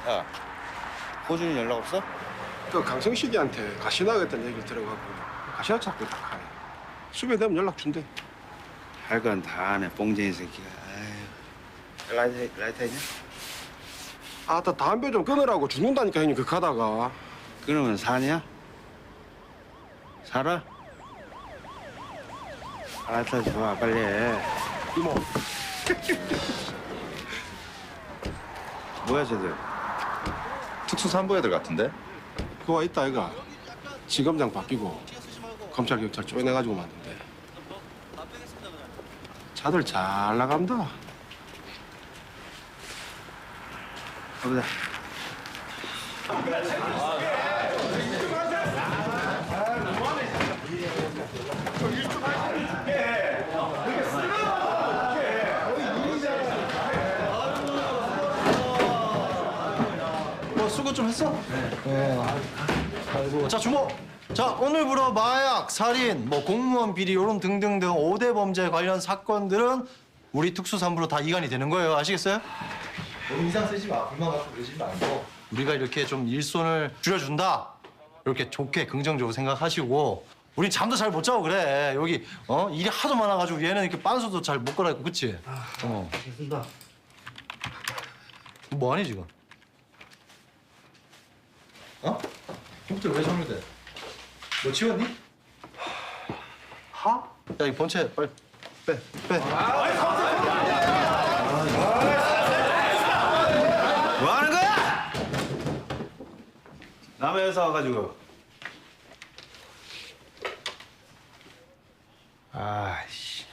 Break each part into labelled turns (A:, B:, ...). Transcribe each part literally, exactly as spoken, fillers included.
A: 야, 호준이 연락 없어?
B: 그 강성식이한테 가시나겠다는 얘기를 들어갖고 가시나 찾고 딱 하네. 수배 되면 연락 준대.
A: 할 건 다 하네, 뽕쟁이 새끼가. 아유. 라이터, 라이터 있냐?
B: 아따 담배 좀 끊으라고 죽는다니까 형님 극하다가.
A: 그러면 사냐? 살아? 라이터 줘, 빨리 해.
B: 이모.
A: 뭐야, 쟤들?
C: 특수산부 애들 같은데?
B: 그거 있다 이가. 지검장 바뀌고 검찰 경찰 쪼개내가지고 만든데. 자들 잘 나간다.
A: 가보자.
D: 뭐 수고 좀 했어? 네. 아이고. 자 주모. 자 오늘부로 마약, 살인, 뭐 공무원 비리 이런 등등등 오 대 범죄 관련 사건들은 우리 특수산부로 다 이관이 되는 거예요. 아시겠어요? 너무 이상 쓰지 마. 불만 갖고 그러지 말고. 우리가 이렇게 좀 일손을 줄여준다. 이렇게 좋게 긍정적으로 생각하시고. 우린 잠도 잘 못 자고 그래. 여기 어 일이 하도 많아가지고 얘는 이렇게 빤수도 잘 못 갈아입고 그치? 아, 어. 알겠습니다. 뭐하니 지금? 어? 컴퓨터 왜 정리돼? 너 치웠니? 하? 야, 이 본체 빨리 빼, 빼.
A: 뭐 하는 거야? 남의 회사 와가지고. 아이씨.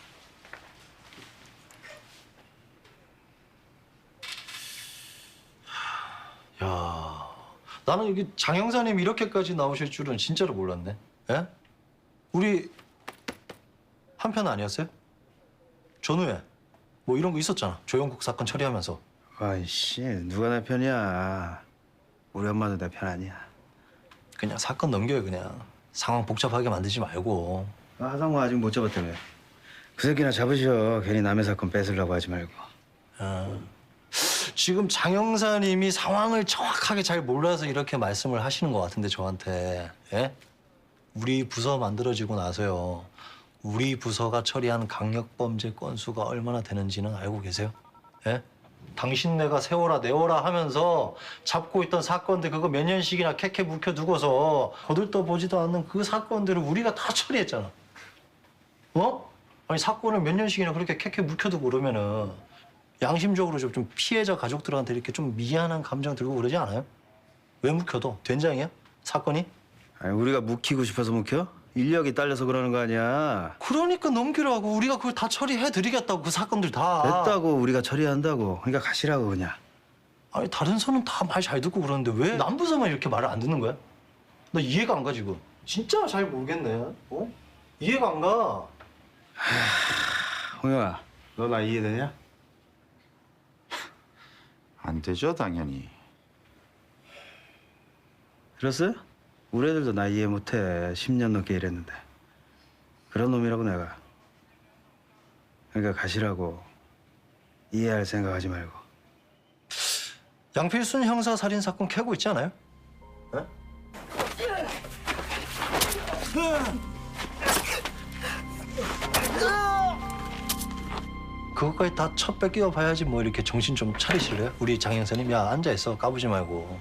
D: 야, 나는 여기 장 형사님 이렇게까지 나오실 줄은 진짜로 몰랐네. 예? 우리 한편 아니었어요? 전후에 뭐 이런 거 있었잖아. 조영국 사건 처리하면서.
A: 아이씨, 누가 내 편이야. 우리 엄마도 내 편 아니야.
D: 그냥 사건 넘겨요 그냥. 상황 복잡하게 만들지 말고.
A: 아, 하상무 아직 못 잡았다며. 그 새끼나 잡으셔. 괜히 남의 사건 뺏으려고 하지 말고.
D: 아, 지금 장 형사님이 상황을 정확하게 잘 몰라서 이렇게 말씀을 하시는 것 같은데 저한테. 예? 우리 부서 만들어지고 나서요. 우리 부서가 처리한 강력범죄 건수가 얼마나 되는지는 알고 계세요? 예? 당신네가 세워라 내워라 하면서 잡고 있던 사건들 그거 몇 년씩이나 캐캐 묵혀두고서 거들떠보지도 않는 그 사건들을 우리가 다 처리했잖아. 어? 아니 사건을 몇 년씩이나 그렇게 캐캐 묵혀두고 그러면은 양심적으로 좀, 좀 피해자 가족들한테 이렇게 좀 미안한 감정 들고 그러지 않아요? 왜 묵혀도? 된장이야? 사건이?
A: 아니, 우리가 묵히고 싶어서 묵혀? 인력이 딸려서 그러는 거 아니야.
D: 그러니까 넘기라고. 우리가 그걸 다 처리해드리겠다고 그 사건들 다.
A: 됐다고 우리가 처리한다고. 그러니까 가시라고 그냥.
D: 아니 다른 서는 다 말 잘 듣고 그러는데 왜 남부서만 이렇게 말을 안 듣는 거야? 나 이해가 안 가 지금. 진짜 잘 모르겠네. 어? 이해가 안 가.
A: 홍영아, 너 나 이해되냐?
C: 안 되죠, 당연히.
A: 들었어요? 우리 애들도 나 이해 못해. 십 년 넘게 일했는데. 그런 놈이라고 내가. 그러니까 가시라고. 이해할 생각하지 말고.
D: 양필순 형사 살인 사건 캐고 있지 않아요? 네? 그것까지 다 첫 뺏겨 봐야지 뭐 이렇게 정신 좀 차리실래요? 우리 장 형사님, 야 앉아 있어 까부지 말고.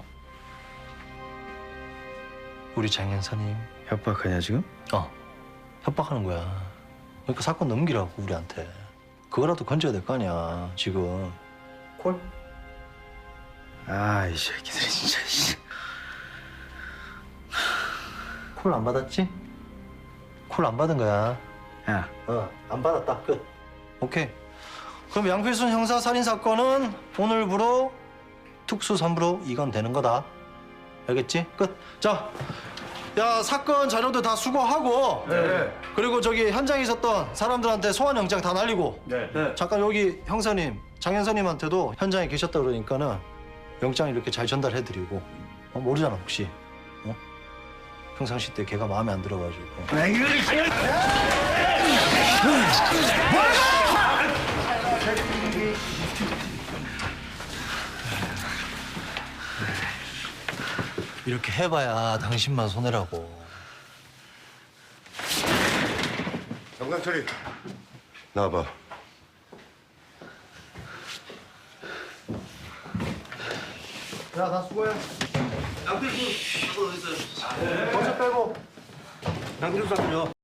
D: 우리 장 형사님.
A: 협박하냐 지금?
D: 어, 협박하는 거야. 그러니까 사건 넘기라고 우리한테. 그거라도 건져야 될 거 아니야 지금. 콜?
A: 아, 이 새끼들이 진짜. 씨.
D: 콜 안 받았지? 콜 안 받은 거야.
A: 야,
D: 어, 안 받았다. 끝. 오케이. 그럼 양필순 형사 살인 사건은 오늘부로 특수산부로 이관되는 거다. 알겠지? 끝. 자, 야 사건 자료들 다 수거하고. 네. 그리고 저기 현장에 있었던 사람들한테 소환 영장 다 날리고. 네. 네. 잠깐 여기 형사님, 장 형사님한테도 현장에 계셨다 그러니까는 영장 이렇게 잘 전달해드리고. 어, 모르잖아 혹시. 어? 평상시 때 걔가 마음에 안 들어가지고.
A: 아, 이거
D: 이렇게 해봐야 당신만 손해라고.
E: 정강철이 나와봐.
D: 야, 다 수고해.
E: 먼저 빼고. 양준수 줘.